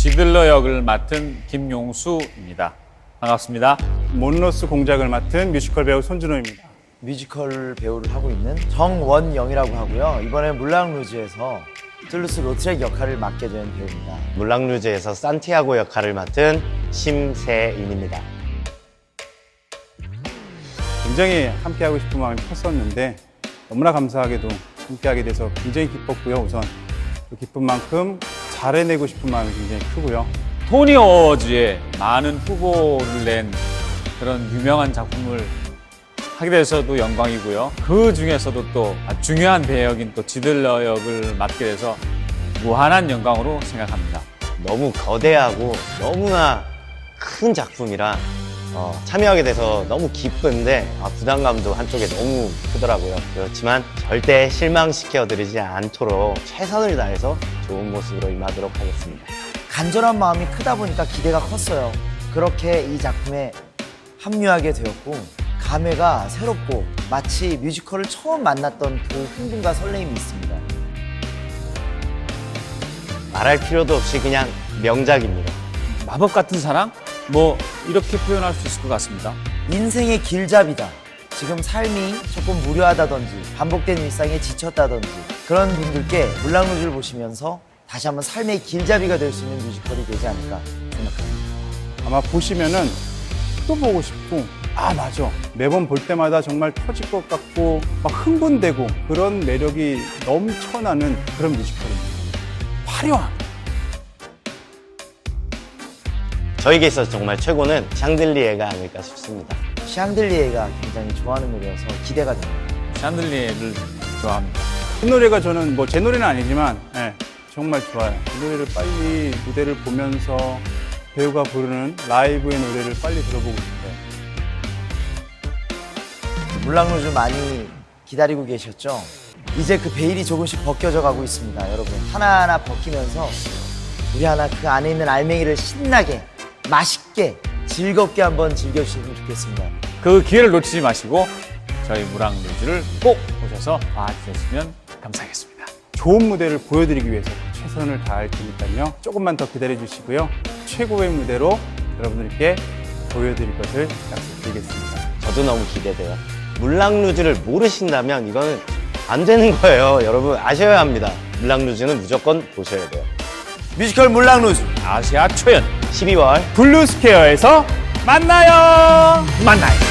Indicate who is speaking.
Speaker 1: 지들러 역을 맡은 김용수입니다. 반갑습니다.
Speaker 2: 몬로스 공작을 맡은 뮤지컬 배우 손준호입니다.
Speaker 3: 뮤지컬 배우를 하고 있는 정원영이라고 하고요. 이번에 물랑루즈에서 툴루스 로트렉 역할을 맡게 된 배우입니다.
Speaker 4: 물랑루즈에서 산티아고 역할을 맡은 심세인입니다.
Speaker 2: 굉장히 함께하고 싶은 마음이 컸었는데 너무나 감사하게도 함께하게 돼서 굉장히 기뻤고요. 우선 그 기쁜 만큼 잘해내고 싶은 마음이 굉장히 크고요.
Speaker 1: 토니 어워즈에 많은 후보를 낸 그런 유명한 작품을 하게 돼서도 영광이고요. 그 중에서도 또 중요한 배역인 또 지들러 역을 맡게 돼서 무한한 영광으로 생각합니다.
Speaker 4: 너무 거대하고 너무나 큰 작품이라 참여하게 돼서 너무 기쁜데 부담감도 한쪽에 너무 크더라고요. 그렇지만 절대 실망시켜드리지 않도록 최선을 다해서 좋은 모습으로 임하도록 하겠습니다.
Speaker 3: 간절한 마음이 크다 보니까 기대가 컸어요. 그렇게 이 작품에 합류하게 되었고 감회가 새롭고 마치 뮤지컬을 처음 만났던 그 흥분과 설레임이 있습니다.
Speaker 4: 말할 필요도 없이 그냥 명작입니다.
Speaker 1: 마법 같은 사랑? 뭐 이렇게 표현할 수 있을 것 같습니다.
Speaker 3: 인생의 길잡이다. 지금 삶이 조금 무료하다든지 반복된 일상에 지쳤다든지 그런 분들께 물랑루즈를 보시면서 다시 한번 삶의 길잡이가 될 수 있는 뮤지컬이 되지 않을까 생각합니다.
Speaker 2: 아마 보시면은 또 보고 싶고 맞아. 매번 볼 때마다 정말 터질 것 같고 막 흥분되고 그런 매력이 넘쳐나는 그런 뮤지컬입니다. 화려한.
Speaker 4: 저에게 있어서 정말 최고는 샹들리에가 아닐까 싶습니다.
Speaker 3: 샹들리에가 굉장히 좋아하는 노래여서 기대가 됩니다.
Speaker 1: 샹들리에를 좋아합니다.
Speaker 2: 이 노래가 저는 뭐 제 노래는 아니지만 정말 좋아요. 이 노래를 빨리 무대를 보면서 배우가 부르는 라이브의 노래를 빨리 들어보고 싶어요.
Speaker 3: 물랑루즈 많이 기다리고 계셨죠? 이제 그 베일이 조금씩 벗겨져 가고 있습니다. 여러분 하나하나 벗기면서 우리 하나 그 안에 있는 알맹이를 신나게 맛있게 즐겁게 한번 즐겨주시면 좋겠습니다.
Speaker 1: 그 기회를 놓치지 마시고 저희 물랑루즈를 꼭 보셔서 봐주셨으면 감사하겠습니다.
Speaker 2: 좋은 무대를 보여드리기 위해서 최선을 다할 테니까요. 조금만 더 기다려 주시고요. 최고의 무대로 여러분들께 보여드릴 것을 약속드리겠습니다.
Speaker 4: 저도 너무 기대돼요. 물랑루즈를 모르신다면 이거는 안 되는 거예요. 여러분 아셔야 합니다. 물랑루즈는 무조건 보셔야 돼요.
Speaker 3: 뮤지컬 물랑루즈
Speaker 1: 아시아 초연
Speaker 4: 12월
Speaker 2: 블루스퀘어에서 만나요.
Speaker 1: 만나요.